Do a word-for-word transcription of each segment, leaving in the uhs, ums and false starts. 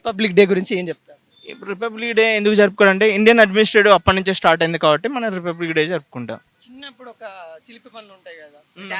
Republic day గురించి ఏం చెప్తారు? ఇప్పుడు రిపబ్లిక్ డే ఎందుకు జరుపుకోవడం అంటే ఇండియన్ అడ్మినిస్ట్రేటివ్ అప్పటి నుంచే స్టార్ట్ అయింది కాబట్టి మనం రిపబ్లిక్ డే జరుపుకుంటాం. చిన్నప్పుడు ఒక చిలిపి పనులు ఉంటాయి కదా,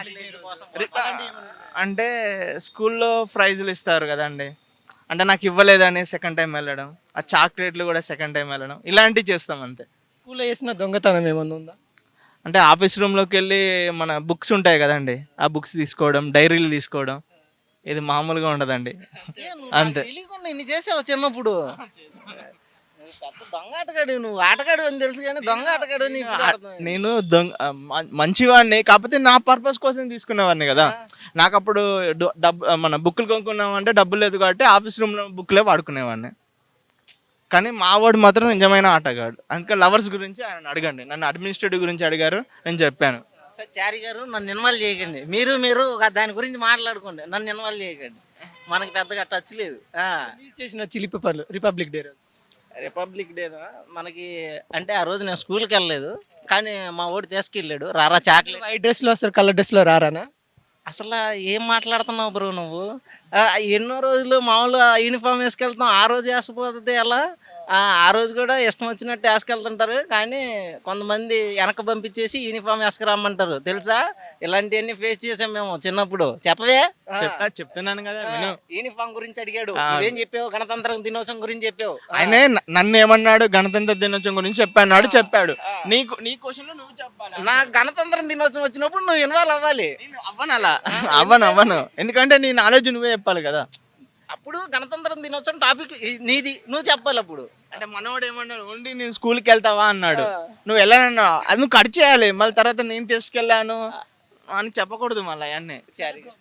అంటే స్కూల్లో ప్రైజులు ఇస్తారు కదండి, అంటే నాకు ఇవ్వలేదని సెకండ్ టైం వెళ్ళడం, ఆ చాక్లెట్లు కూడా సెకండ్ టైం వెళ్ళడం, ఇలాంటివి చేస్తాం అంతే. స్కూల్లో చేసిన దొంగతనం ఏమన్నా ఉందా? అంటే ఆఫీస్ రూమ్లోకి వెళ్ళి మన బుక్స్ ఉంటాయి కదండి, ఆ బుక్స్ తీసుకోవడం, డైరీలు తీసుకోవడం, ఇది మామూలుగా ఉండదండి. అంతే. తెలియకుండా ఇన్ని చేసావు చిన్నప్పుడు. పెద్ద దొంగ ఆటగాడు నువ్వు, ఆటగాడు అని తెలుసు కానీ దొంగ ఆటగాడు అని ఇప్పుడు అర్థమైంది. నేను దొంగ మ- మంచివాడిని, కాకపోతే నా పర్పస్ కోసం తీసుకునేవాడిని కదా. నాకు అప్పుడు డు- డబ్బు మన బుక్కులు కొనుక్కున్నామంటే డబ్బులు లేదు కాబట్టి ఆఫీస్ రూమ్లో బుక్లే వాడుకునేవాడిని. కానీ మా వాడు మాత్రం నిజమైన ఆటగాడు. అందుకే లవర్స్ గురించి ఆయన అడగండి, నన్ను అడ్మినిస్ట్రేటివ్ గురించి అడిగారు, నేను చెప్పాను. సార్ చారి గారు నన్ను ఇన్వాల్వ్ చేయకండి, మీరు మీరు ఒక దాని గురించి మాట్లాడుకోండి, నన్ను ఇన్వాల్వ్ చేయకండి, మనకి పెద్దగా టచ్ లేదు. ఆ, మీరు చేసిన చిలిపి పనులు రిపబ్లిక్ డే రోజు. రిపబ్లిక్ డేనా మనకి అంటే ఆ రోజు నేను స్కూల్కి వెళ్ళలేదు, కానీ మా ఓడి తీసుకెళ్ళాడు రారా చాక్లెట్. వైట్ డ్రెస్లో వస్తారు, కలర్ డ్రెస్లో రారానా? అసలు ఏం మాట్లాడుతున్నావు బ్రో నువ్వు? ఆ, ఎన్నో రోజులు మామూలుగా యూనిఫామ్ వేసుకెళ్తాం, ఆ రోజు వేసుకుపోతుంది ఎలా? ఆ ఆ రోజు కూడా ఇష్టం వచ్చినట్టు వేసుకెళ్తుంటారు, కానీ కొంతమంది వెనక పంపించేసి యూనిఫామ్ వేసుకురమ్మంటారు తెలుసా? ఇలాంటివన్నీ ఫేస్ చేసాం మేము చిన్నప్పుడు. చెప్పవే? చెప్తా చెప్తున్నాను కదా విను. యూనిఫామ్ గురించి అడిగాడు, నువ్వేం చెప్పావు? గణతంత్ర దినోత్సవం గురించి చెప్పావు. ఆయనే న- నన్ను ఏమన్నాడు, గణతంత్ర దినోత్సవం గురించి చెప్పాడు, చెప్పాడు. నీకు నీ క్వశ్చన్ నువ్వు చెప్పాలి. నా గణతంత్ర దినోత్సవం వచ్చినప్పుడు నువ్వు ఇన్వాల్వ్ అవ్వాలి. నేను అవ్వను అలా, అవ్వను అవ్వను ఎందుకంటే నీ నాలెడ్జ్ నువ్వే చెప్పాలి కదా. అప్పుడు గణతంత్ర దినోత్సవం టాపిక్ నీది, నువ్వు చెప్పాలి అప్పుడు. అంటే మనవాడు ఏమన్నాడు, ఓన్లీ నేను స్కూల్కి వెళ్తావా అన్నాడు. నువ్వు వెళ్ళానన్నా అది నువ్వు కట్ చేయాలి, మళ్ళీ తర్వాత నేను తీసుకెళ్ళాను అని చెప్పకూడదు మళ్ళీ అవన్నీ. సరే